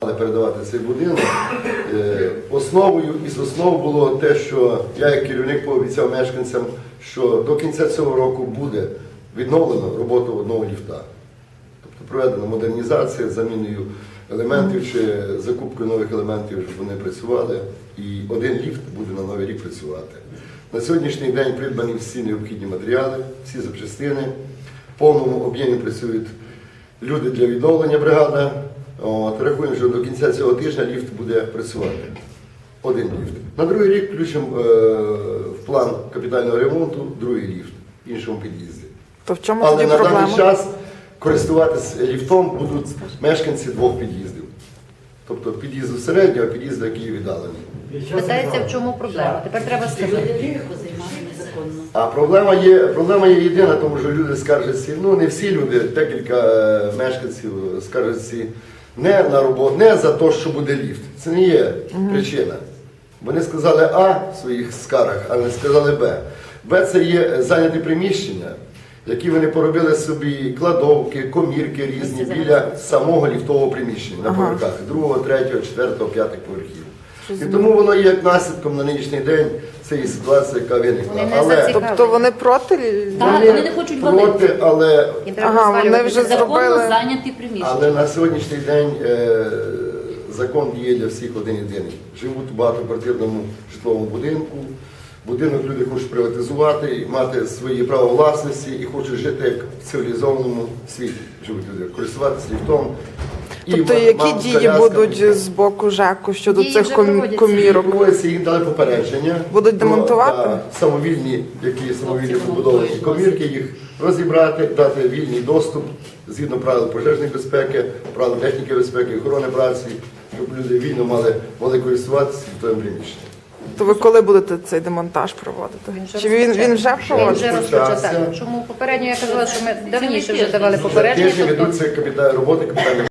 передавати цей будинок. Основою із основ було те, що я як керівник пообіцяв мешканцям, що до кінця цього року буде відновлено роботу одного ліфта. Тобто проведена модернізація з заміною елементів чи закупкою нових елементів, щоб вони працювали. І один ліфт буде на Новий рік працювати. На сьогоднішній день придбані всі необхідні матеріали, всі запчастини. В повному об'ємі працюють люди для відновлення бригади. Рахуємо, що до кінця цього тижня ліфт буде працювати. Один ліфт. На другий рік включимо в план капітального ремонту другий ліфт в іншому під'їзді. То в чому Але тоді на проблема? даний час користуватись ліфтом будуть мешканці двох під'їздів. Тобто під'їзду середнього, під'їзду, який віддалений. Питається, в чому проблема. Тепер треба сказати. А проблема є єдина, тому що люди скаржаться, ну не всі люди, декілька мешканців скаржаться не на роботу, не за те, що буде ліфт. Це не є причина. Вони сказали А в своїх скаргах, а не сказали Б. Б – це є зайняті приміщення, які вони поробили собі кладовки, комірки різні біля самого ліфтового приміщення на поверхах 2, 3, 4, 5 поверхів. І тому воно є як наслідком на нинішній день цієї ситуації, яка виникла. Тобто вони проти? Так, вони не хочуть валити. Проти, але, Їм треба вони вже законно зробили. зайняті приміщення. але на сьогоднішній день закон діє для всіх один єдиний. Живуть у багатоквартирному житловому будинку. Будинок люди хочуть приватизувати, мати свої право власності і хочуть жити як в цивілізованому світі. Живуть люди, користуватися ліфтом. Тобто які дії будуть з боку ЖЕКу щодо Дії цих вже проводяться. комірок? Проводяться, їм дали попередження. Будуть демонтувати? Самовільні, які самовільні побудовані комірки, їх розібрати, дати вільний доступ згідно правил пожежної безпеки, правил техніки безпеки, охорони праці, щоб люди вільно могли користуватися ліфтовим приміщенням. То ви коли будете цей демонтаж проводити? Чи він вже Він вже проводиться? розпочався. Чому попередньо я казала, що ми давніше вже давали За попередження. тиждень тобто ведуться роботи капітального